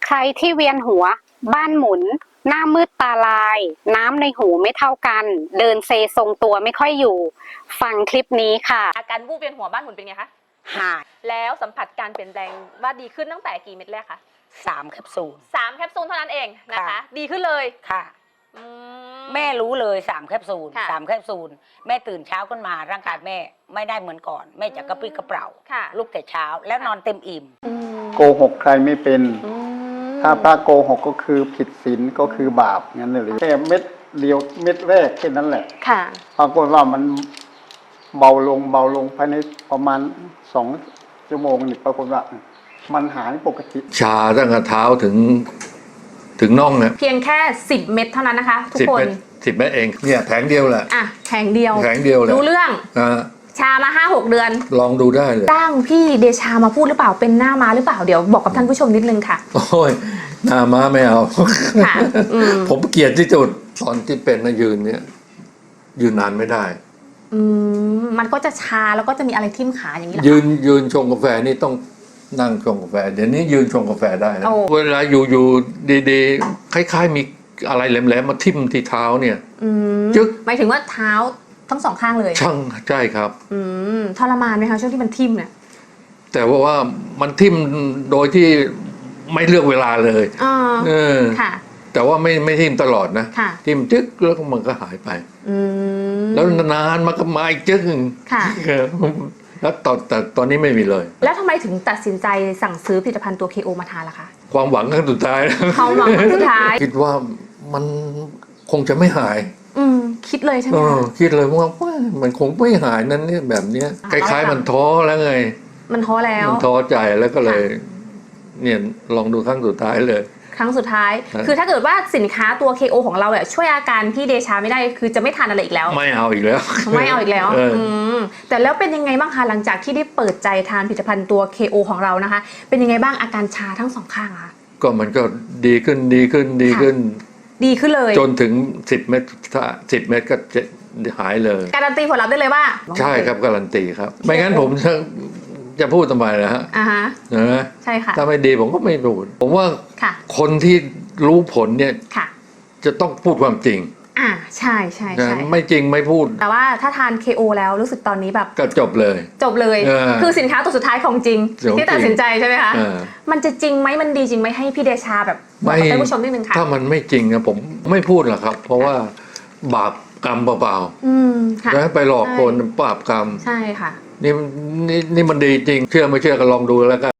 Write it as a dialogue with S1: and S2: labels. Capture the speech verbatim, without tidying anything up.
S1: ใครที่เวียนหัวบ้านหมุนหน้ามืดตาลายน้ำในหูไม่เท่ากันเดินเซทรงตัวไม่ค่อยอยู่ฟังคลิปนี้ค่ะ
S2: อาการวูบเวียนหัวบ้านหมุนเป็นไงคะ
S3: หาย
S2: แล้วสัมผัสการเปลี่ยนแปลงว่าดีขึ้นตั้งแต่กี่เม็ดแรกคะ
S3: สามแคปซูล
S2: สามแคปซูลเท่านั้นเองนะคะดีขึ้นเลย
S3: ค่ะแม่รู้เลยสามแคปซูลสามแคปซูลแม่ตื่นเช้าขึ้นมาร่างกายแม่ไม่ได้เหมือนก่อนแม่จะกระปรี้กระเปร่าลุกแต่เช้าแล้วนอนเต็มอิ่ม
S4: โกหกใครไม่เป็นถ้าพระโกหกก็คือผิดศีลก็คือบาปงั้นเลยแค่เม็ดเดียวเม็ดแรกแค่นั้นแหละ
S2: ค่ะ
S4: ปรากฏว่ามันเบาลงเบาลงภายในประมาณสองชั่วโมงนี่ปรากฏว่ามันหายปกติ
S5: ชาตั้งแต่เท้าถึงถึงน่องเนี่ย
S2: เพียงแค่สิบเม็ดเท่านั้นนะคะทุกคน
S5: สิบเม็ดเองเนี่ยแผงเดียวแหละ
S2: อ่ะแผงเดียว
S5: แผงเดียวแหละ
S2: รู้เรื่องชามาห้าหกเดือน
S5: ลองดูได้เลย
S2: จ้างพี่เดชามาพูดหรือเปล่าเป็นหน้าม้าหรือเปล่าเดี๋ยวบอกกับท่านผู้ชมนิดนึงค่ะ
S5: โอ้ยหน้าม้าไม่เอาค่ะผมเกลียดที่สุดตอนที่เป็นนะยืนเนี่ยยืนนานไม่ได้
S2: อืมมันก็จะชาแล้วก็จะมีอะไรทิ่มขาอย่างนี้
S5: ยืนยืนชงกาแฟนี่ต้องนั่งชงกาแฟเดี๋ยวนี้ยืนชงกาแฟได้นะเวลาอยู่อยู่ดีๆคล้ายๆมีอะไรแหลมๆมาทิ่มที่เท้าเนี่ย
S2: จึ๊กหมายถึงว่าเท้าทั้งสองข้างเลย
S5: ช่างใช่ครับ
S2: อืมทรมานไหมคะช่วงที่มันทิ่มเนี่ย
S5: แต่ว่าว่ามันทิ่มโดยที่ไม่เลือกเวลาเลย
S2: อ๋อเออค่ะ
S5: แต่ว่าไม่ไม่ทิ่มตลอดนะทิ่มจึ๊กแล้วมันก็หายไปแล้วนานมันก็มาอีกจึ๊ก
S2: ค่ะ
S5: แล้วตอนแต่ตอนนี้ไม่มีเลย
S2: แล้วทำไมถึงตัดสินใจสั่งซื้อผลิตภัณฑ์ตัว เค โอ มาทานล่ะคะ
S5: ความหวังครั้งสุดท้าย
S2: ความหวังครั้งสุดท้าย
S5: คิดว่ามันคงจะไม่หาย
S2: อืมคิดเลยใช่ไหมคะ
S5: คิดเลยว่ามันคงไม่หายนั้นเนี่ยแบบนี้คล้ายๆมันท้อแล้วไง
S2: มันท้อแล้ว
S5: มันท้อใจแล้วก็เลยเนี่ยลองดูครั้งสุดท้ายเลย
S2: ครั้งสุดท้ายคือถ้าเกิดว่าสินค้าตัว เค โอ ของเราเนี่ยช่วยอาการพี่เดชาไม่ได้คือจะไม่ทานอะไรอีกแล้ว
S5: ไม่เอาอีกแล้ว
S2: ไม่เอาอีกแล้วอืมแต่แล้วเป็นยังไงบ้างคะหลังจากที่ได้เปิดใจทานผลิตภัณฑ์ตัว เค โอ ของเรานะคะเป็นยังไงบ้างอาการชาทั้งสองข้างคะ
S5: ก็มันก็ดีขึ้นดีขึ้นดีขึ้น
S2: ดีขึ้นเลย
S5: จนถึงสิบเม็ดถ้าสิบเม็ดก็จะหายเลย
S2: การันตีผลลัพธ์ได้เลยว่า
S5: ใช่ครับการันตีครับไม่งั้นผมจะจะพูดทำไมนะฮะ
S2: อ่าฮะ
S5: นะ
S2: ใช่ค่ะ
S5: ถ้าไม่ดีผมก็ไม่พูดผมว่าคนที่รู้ผลเนี่ยจะต้องพูดความจริง
S2: อ่าใช่ใช่ใช่
S5: ไม่จริงไม่พูด
S2: แต่ว่าถ้าทาน เค โอ แล้วรู้สึกตอนนี้แบบ
S5: ก็จบเลย
S2: จบเลยคือสินค้าตัวสุดท้ายของจริงที่ตัดสินใจใช่ไหมคะมันจะจริงไหมมันดีจริงไหมให้พี่เดชาแบบบอกกับท่านผู้ชมนิดนึงค่ะ
S5: ถ้ามันไม่จริงนะผมไม่พูดหรอกครับเพราะว่าบาปกรรมเปล่าๆแล้วไปหลอกคนบาปกรรม
S2: ใช่ค่ะ
S5: นี่นี่นี่มันดีจริงเชื่อไม่เชื่อก็ลองดูแล้วกัน